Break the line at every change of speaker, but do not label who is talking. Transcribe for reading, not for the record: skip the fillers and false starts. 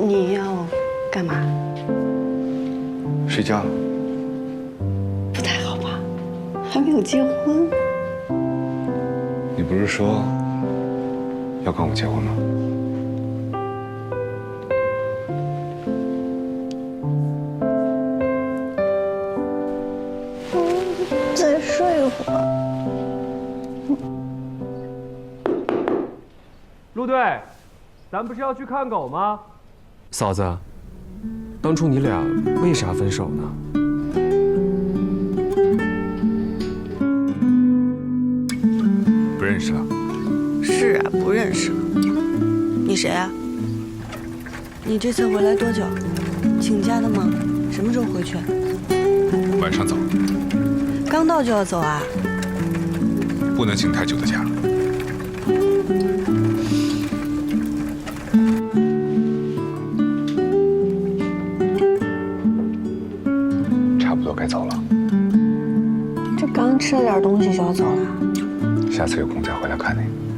你要干嘛？
睡觉。
不太好吧？还没有结婚。
你不是说要跟我结婚吗？
再睡一会儿。
陆队，咱不是要去看狗吗？
嫂子，当初你俩为啥分手呢？
不认识了。
是啊，不认识了。你谁啊？你这次回来多久？请假的吗？什么时候回去？
晚上走，
刚到就要走啊？
不能请太久的假。差不多该走了。
这刚吃了点东西就要走了？
下次有空再回来看你。